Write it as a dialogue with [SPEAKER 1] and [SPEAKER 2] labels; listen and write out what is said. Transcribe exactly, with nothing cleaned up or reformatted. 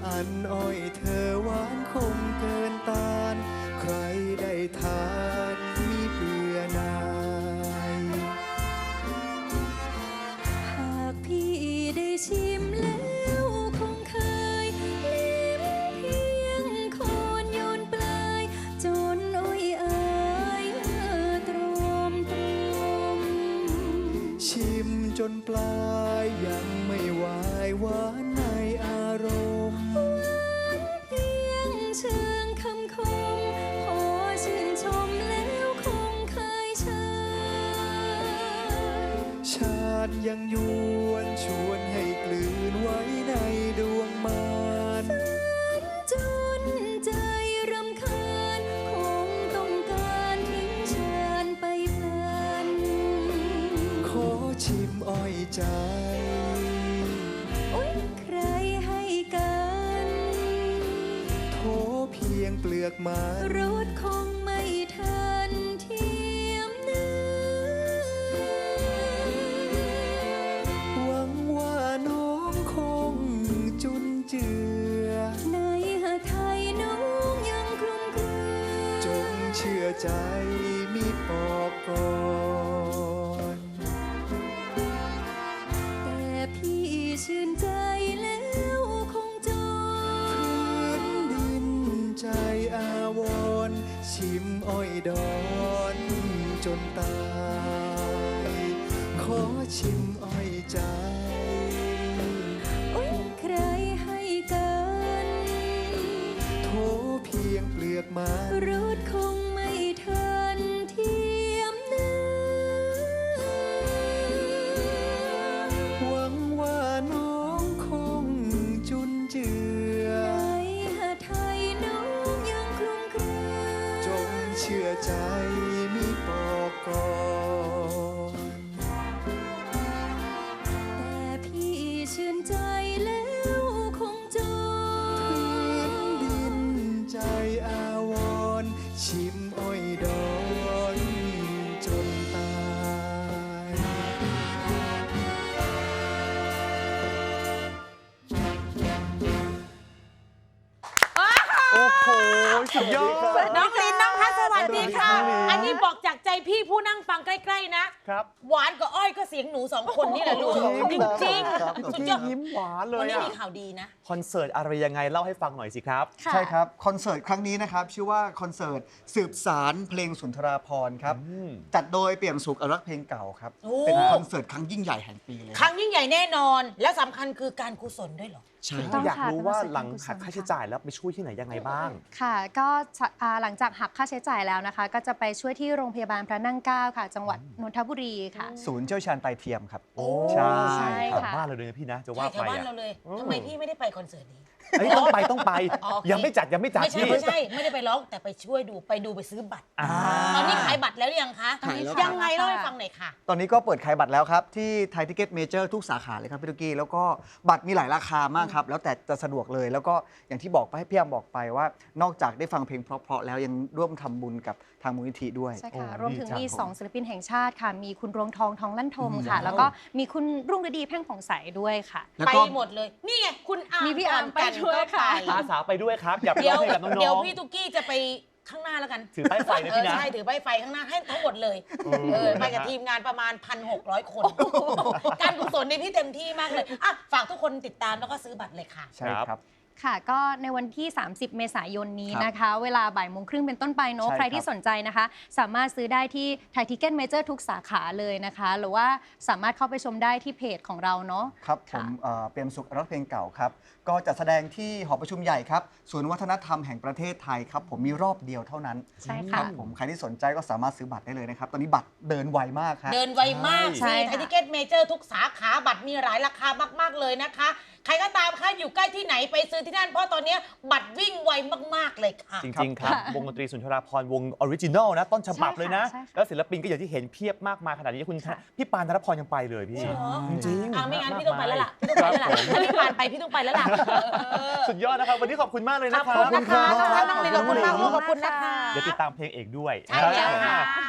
[SPEAKER 1] อันอ้อยเธอหวานคงเกินต้านใครได้ทานมีเบื่อหน่าย
[SPEAKER 2] หากพี่ได้ชิมแล้วคงเคยลิ้มเพียงโคนโยนปลายจนอ้อยเอ่ยตรอมตรอม
[SPEAKER 1] ชิมจนปลายยังไม่ไหวหวานในอารมณ์
[SPEAKER 2] หวานเพียงเชิงคำคมขอชื่นชมแล้วคงเคยเชย
[SPEAKER 1] ชาติยังยวนชวนให้กลืนไว้ในดวงมาน
[SPEAKER 2] จนใจรำคาญคงต้องการทิ้งฉันไปพลัน
[SPEAKER 1] ขอชิมอ้อยใจ
[SPEAKER 2] โอ๊ยใครให้กัน
[SPEAKER 1] โถเพียงเปลือกไม้
[SPEAKER 2] รสคงไม่ทันเทียมเนื้อ
[SPEAKER 1] หวังว่าน้องคงจุนเจือ
[SPEAKER 2] ในหาไทยน้องยังคลุมเครือ
[SPEAKER 1] จงเชื่อใจมิปอกก่อน
[SPEAKER 2] แต่พี่ชื่นใจแล้วคงจน
[SPEAKER 1] พื้นดินใจอาวรณ์ชิมอ้อยดอนจนตายขอชิมอ้อยใจ
[SPEAKER 2] โอ๊ยใครให้กัน
[SPEAKER 1] โถเพียงเปลือกไม้
[SPEAKER 2] รสคงไม่ทันเทียมเนื้อ
[SPEAKER 1] หวังว่าน้องคงจุนเจือ
[SPEAKER 2] ในหาไทยน้องยังคลุมเครือ
[SPEAKER 1] จงเชื่อใจมิปอกก่อน
[SPEAKER 2] แต่พี่ชื่นใจแล้วคงจน
[SPEAKER 1] พื้นดินใจอาวรณ์ชิมอ้อยดอนจนตาย
[SPEAKER 3] โอ้โหสุดยอด
[SPEAKER 4] น้องลินน้องพัชสวัสดีค่ะ อันนี้บอกจากใจพี่ผู้นั่งฟังใกล้ๆนะครับหวานกับอ้อยก็เสียงหนูสองคนนี่แหละลูกจริงๆสุดยอด
[SPEAKER 3] ยิ้มหวานเลย
[SPEAKER 4] วันนี้มีข่าวดีนะ
[SPEAKER 3] คอนเสิร์ตอะไรยังไงเล่าให้ฟังหน่อยสิครับ
[SPEAKER 5] ใช่ครับคอนเสิร์ตครั้งนี้นะครับชื่อว่าคอนเสิร์ตสืบสารเพลงสุนทราภรณ์ครับจัดโดยเปี่ยมสุขอนุรักษ์เพลงเก่าครับเป็นคอนเสิร์ตครั้งยิ่งใหญ่แห่งปีเลย
[SPEAKER 4] ครั้งยิ่งใหญ่แน่นอนและสำคัญคือการกุศลด้วยเหรอ
[SPEAKER 5] ใช่
[SPEAKER 3] อยากรู้ว่าหลังหักค่าใช้จ่ายแล้วไปช่วยที่ไหนยังไงบ้าง
[SPEAKER 6] ค่ะก็หลังจากหักค่าใช้จ่ายแล้วนะคะก็จะไปช่วยที่โรงพยาบาลพระนั่งเกล้าค่ะจังหวัดนนทบุรีค่ะ
[SPEAKER 5] ศูนย์เชี่ยวชาญไตเทียมครับ
[SPEAKER 3] โอ้
[SPEAKER 6] ใช่
[SPEAKER 3] ค่ะบ้านเราเลยนะพี่นะจะว่าไป
[SPEAKER 4] แถวบ้านเราเลยทำไมพี่ไม่ได้ไปคอนเสิร์ตนี้
[SPEAKER 3] ต้องไปต้องไปยังไม่จัดยังไม่จัด
[SPEAKER 4] ไม่ใช่ไม่ใช่ไม่ได้ไปร้องแต่ไปช่วยดูไปดูไปซื้อบัตรตอนนี้ขายบัตรแล้วยังคะยังไงเล่าให้ฟังหน่อยค่ะ
[SPEAKER 5] ตอนนี้ก็เปิดขายบัตรแล้วครับที่ไทยทิเก็ตเมเจอร์ทุกสาขาเลยครับพี่ตุ๊กกี้แล้วก็บัตรมีหลายราคามากครับแล้วแต่จะสะดวกเลยแล้วก็อย่างที่บอกไปให้พี่ยามบอกไปว่านอกจากได้ฟังเพลงเพราะๆแล้วยังร่วมทำบุญกับทางมูลนิธิด้วย
[SPEAKER 6] ใช่ค่ะรวมถึงมีสองศิลปินแห่งชาติค่ะมีคุณรวงทองทองลั่นทมค่ะแล้วก็มีคุณรุ่งฤดีแพ่งผ่องใสด้วยค่ะ
[SPEAKER 4] ไปหมดเลยนี่ไงคุณอา
[SPEAKER 6] มีพี่อาร์มไปด้วยค่ะ
[SPEAKER 3] อาสาไปด้วยครับอยากไปร้องเพลงกับน้องๆ
[SPEAKER 4] เดี๋ยวพี่ตุ๊กกี้จะไปข้างหน้าแล้วกัน
[SPEAKER 3] ถือป้ายไฟนะพี่นะ
[SPEAKER 4] ใช่ถือป้ายไฟข้างหน้าให้ทั้งหมดเลยไปกับทีมงานประมาณ หนึ่งพันหกร้อย คนการกุศลนี่พี่เต็มที่มากเลยอ่ะฝากทุกคนติดตามแล้วก็ซื้อบัตรเลยค่ะ
[SPEAKER 5] ใช่ครับ
[SPEAKER 6] ค่ะก็ในวันที่สามสิบเมษายนนี้นะคะเวลาบ่ายโมงครึ่งเป็นต้นไปเนาะใครที่สนใจนะคะสามารถซื้อได้ที่ไทยทิเก็ตเมเจอร์ทุกสาขาเลยนะคะหรือว่าสามารถเข้าไปชมได้ที่เพจของเราเนาะ
[SPEAKER 5] ครับผมเปี่ยมสุขอนุรักษ์เพลงเก่าครับก็จะแสดงที่หอประชุมใหญ่ครับศูนย์วัฒนธรรมแห่งประเทศไทยครับผมมีรอบเดียวเท่านั้น
[SPEAKER 6] ใช่ค่ะ
[SPEAKER 5] ผมใครที่สนใจก็สามารถซื้อบัตรได้เลยนะครับตอนนี้บัตรเดินไวมากครับ
[SPEAKER 4] เดินไวมากสิไทยทิเก็ตเมเจอร์ทุกสาขาบัตรมีหลายราคามากๆเลยนะคะใครก็ตามค่ะอยู่ใกล้ที่ไหนไปซื้อที่นั่นเพราะตอนนี้บัตรวิ่งไวมากๆเลยค่ะ
[SPEAKER 3] จริงๆครับวงดนตรีสุนทราภรณ์วงออริจินอลนะต้นฉบับเลยนะแล้วศิลปินก็อย่างที่เห็นเพียบมากมายขนาดนี้คุณพี่ปานธนพรยังไปเลยพี่จริง
[SPEAKER 4] ๆไม่งั้นพี่ต้องไปแล้วล่ะพี่ต้องไปแล้วล่ะถ้าพี่ปานไปพี่ต้องไปแล้วล่ะ
[SPEAKER 3] สุดยอดนะครับวันนี้ขอบคุณมากเลยนะครับ
[SPEAKER 4] ขอบคุณค่ะน้องลินขอบคุณมากขอบคุณนะคะ
[SPEAKER 3] เดี๋ยวติดตามเพลงเอกด้วย
[SPEAKER 4] ใช่แล้วค่ะ